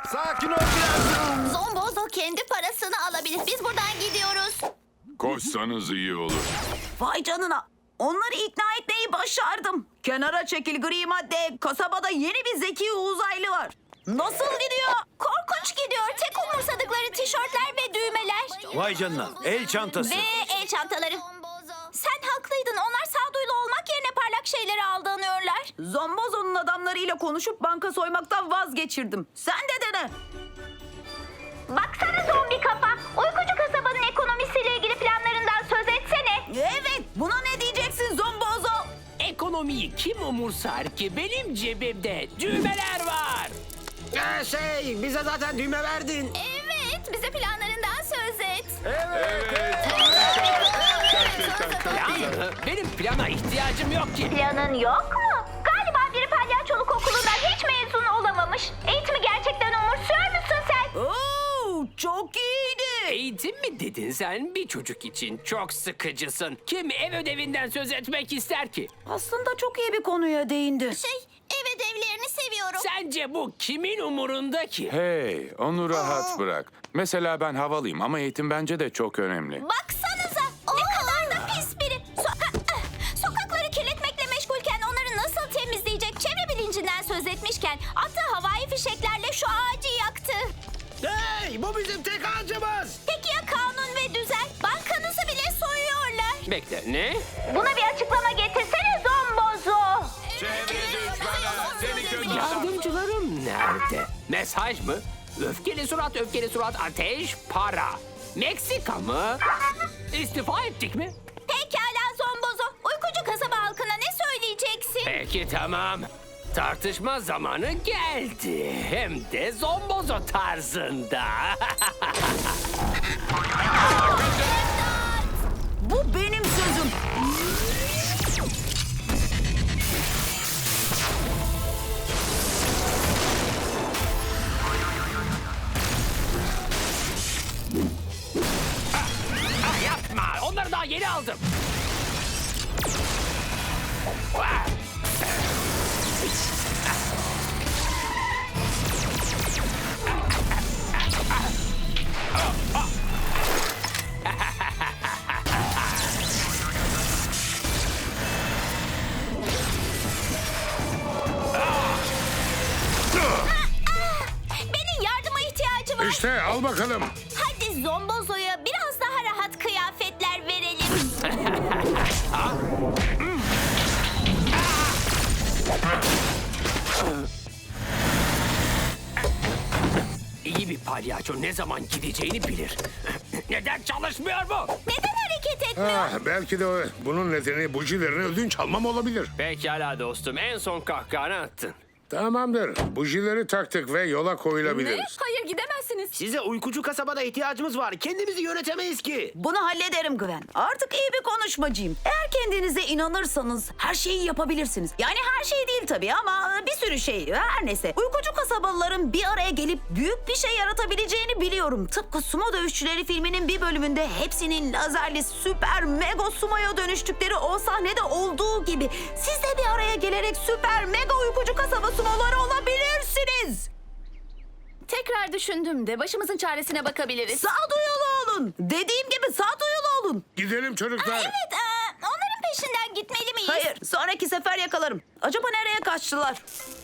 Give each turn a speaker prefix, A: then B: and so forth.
A: Sakin ol biraz.
B: Zombozo kendi parasını alabilir. Biz buradan gidiyoruz.
C: Koşsanız iyi olur.
D: Vay canına. Onları ikna etmeyi başardım. Kenara çekil gri madde. Kasabada yeni bir zeki uzaylı var. Nasıl gidiyor?
B: Korkunç gidiyor. Tek umursadıkları tişörtler ve düğmeler.
A: Vay canına. El çantası.
B: Ve el çantaları. Sen haklıydın. Onlar sağduyulu olmak yerine parlak şeylere aldanıyorlar.
D: Zombozo'nun adamlarıyla konuşup banka soymaktan vazgeçirdim. Sen de dene.
B: Baksana zombi kafa. Uykucu kasabanın ekonomisiyle ilgili planlarından söz etsene.
D: Evet, buna ne diyeceksin Zombozo?
E: Ekonomiyi kim umursar ki? Benim cebimde düğmeler var.
A: Bize zaten düğme verdin.
B: Evet, bize planlarından söz et.
E: Plan, benim plana ihtiyacım yok ki.
B: Planın yok mu? Galiba biri palyaçoluk okulundan hiç mezun olamamış. Eğitimi gerçekten umursuyor musun sen?
D: Oo, çok iyiydi.
E: Eğitim mi dedin sen? Bir çocuk için çok sıkıcısın. Kim ev ödevinden söz etmek ister ki?
D: Aslında çok iyi bir konuya değindi.
B: Ev ödevlerini seviyorum.
E: Sence bu kimin umurunda ki?
C: Hey, onu rahat bırak. Mesela ben havalıyım ama eğitim bence de çok önemli.
B: Baksanıza, ne kadar da pis biri. Sokakları kirletmekle meşgulken onları nasıl temizleyecek çevre bilincinden söz etmişken attığı havai fişeklerle şu ağacı yaktı.
A: Hey, bu bizim tek ağacımız.
B: Peki ya kanun ve düzen? Bankanızı bile soyuyorlar.
E: Bekle, ne?
B: Buna bir açıklama getirsene Zombozo.
E: Yardımcılarım nerede? Mesaj mı? Öfkeli surat, ateş, para. Meksika mı? İstifa ettik mi?
B: Pekala Zombozo. Uykucu kasaba halkına ne söyleyeceksin?
E: Peki tamam. Tartışma zamanı geldi. Hem de zombozo tarzında.
D: Bu benim sözüm.
E: Yapma. Onları daha yeni aldım.
B: Benim yardıma ihtiyacı var.
C: İşte al bakalım.
B: Hadi Zombozo'ya biraz daha rahat kıyafetler verelim.
E: İyi bir palyaço ne zaman gideceğini bilir. Neden çalışmıyor bu?
B: Neden hareket etmiyor?
C: Belki de bunun nedeni bujilerini ödünç almam olabilir.
E: Pekala dostum, en son kahkahanı attın.
C: Tamamdır. Bujileri taktık ve yola koyulabiliriz.
D: Hayır gidemezsiniz.
A: Size uykucu kasabada ihtiyacımız var. Kendimizi yönetemeyiz ki.
D: Bunu hallederim Gwen. Artık iyi bir konuşmacıyım. Eğer kendinize inanırsanız her şeyi yapabilirsiniz. Yani her şey değil tabii ama bir sürü şey. Her neyse. Uykucu kasabalıların bir araya gelip büyük bir şey yaratabileceğini biliyorum. Tıpkı Sumo Dövüşçüleri filminin bir bölümünde hepsinin lazerli süper mega sumoya dönüştükleri o sahnede olduğu gibi. Siz de bir araya gelerek süper mega uykucu kasaba sumoları olabilirsiniz.
F: Tekrar düşündüm de başımızın çaresine bakabiliriz.
D: Sağduyulu olun. Dediğim gibi sağduyulu olun.
C: Gidelim çocuklar.
B: Evet, onların peşinden gitmeli miyiz?
D: Hayır, sonraki sefer yakalarım. Acaba nereye kaçtılar?